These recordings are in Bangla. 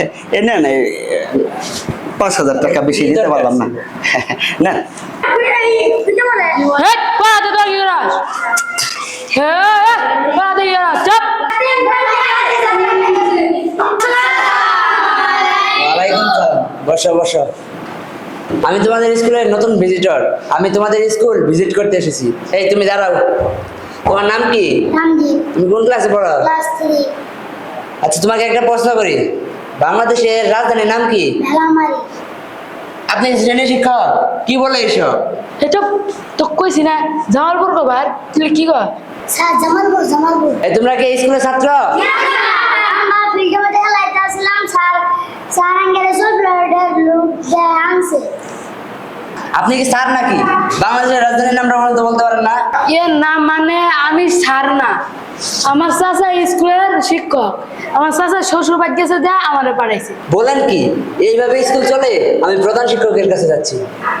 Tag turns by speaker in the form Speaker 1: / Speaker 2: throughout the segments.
Speaker 1: এ না না 5,000 টাকা বেশি দিতে পারলাম না। না
Speaker 2: বসো বসো। আমি তোমাদের স্কুলের নতুন ভিজিটর। আমি তোমাদের স্কুল ভিজিট করতে এসেছি। এই তুমি দাঁড়াও, তোমার নাম কি? তুমি কোন ক্লাসে পড়ো?
Speaker 3: ক্লাস 3।
Speaker 2: আচ্ছা, তোমাকে একটা প্রশ্ন করি, বাংলাদেশের রাজধানীর নাম কি?
Speaker 3: ভেলামারি।
Speaker 2: আপনি শ্রেণী শিক্ষক, কি বলে এসব?
Speaker 4: এটা তো কইছি না জামালপুর কবার তুই কি কর?
Speaker 3: স্যার জামালপুর জামালপুর।
Speaker 2: এই তোমরা কি এই স্কুলের ছাত্র?
Speaker 3: আমরা ফিল্ডে মধ্যে খেলাইতে আসলাম, স্যার আঙ্গেলে সব লোক যায় আনছে।
Speaker 2: আপনি কি স্যার নাকি? বাংলাদেশের রাজধানীর নামটা বলতে পারেন না?
Speaker 4: এ না মানে আমি স্যার না, আমার চাচা স্কুলের শিক্ষক। আমার চাচা শ্বশুর বাড়ি গেছে দেয়া আমারে পাঠাইছে।
Speaker 2: বলেন কি, এইভাবে স্কুল চলে? আমি প্রধান শিক্ষকের কাছে যাচ্ছি।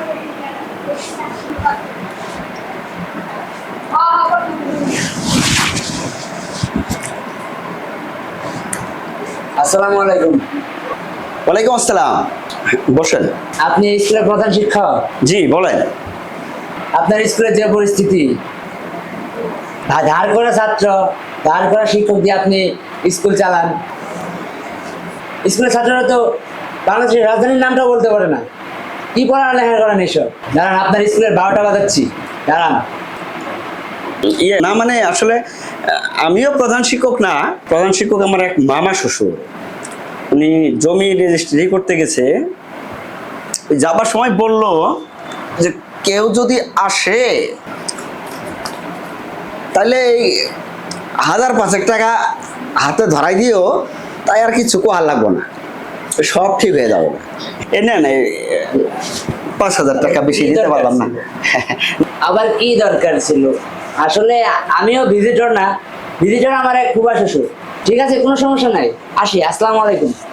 Speaker 2: আসসালামু আলাইকুম।
Speaker 1: ওয়ালাইকুম আসসালাম, বসেন।
Speaker 2: আপনি স্কুলের প্রধান শিক্ষক?
Speaker 1: জি বলেন।
Speaker 2: আপনার স্কুলের যে পরিস্থিতি, ধার করা ছাত্র, ধার করা শিক্ষক দিয়ে আপনি স্কুল চালান। স্কুলের ছাত্ররা তো বাংলাদেশের রাজধানীর নামটাও বলতে পারে না। কি পড়ালেখা করেন এসব? দাঁড়ান, আপনার স্কুলের 12টা বাজাচ্ছি, দাঁড়ান।
Speaker 1: ইয়ে না মানে আসলে আমিও প্রধান শিক্ষক না, প্রধান শিক্ষক আমার এক মামা শ্বশুর। উনি জমি রেজিস্ট্রি করতে গেছে, যাবার সময় বলল যে কেউ যদি আসে তাহলে এই 1,000-5,000 টাকা হাতে ধরাই দিও, তাই আর কিছু কোয়ার লাগবো না, সব ঠিক হয়ে যাবে। এ না না 5,000 টাকা বেশি দিতে পারলাম না।
Speaker 2: আবার কি দরকার ছিল? আসলে আমিও ভিজিটর না, ভিজিটর আমার এক ফুফা শ্বশুর। ঠিক আছে, কোনো সমস্যা নাই, আসি। আসসালামু আলাইকুম।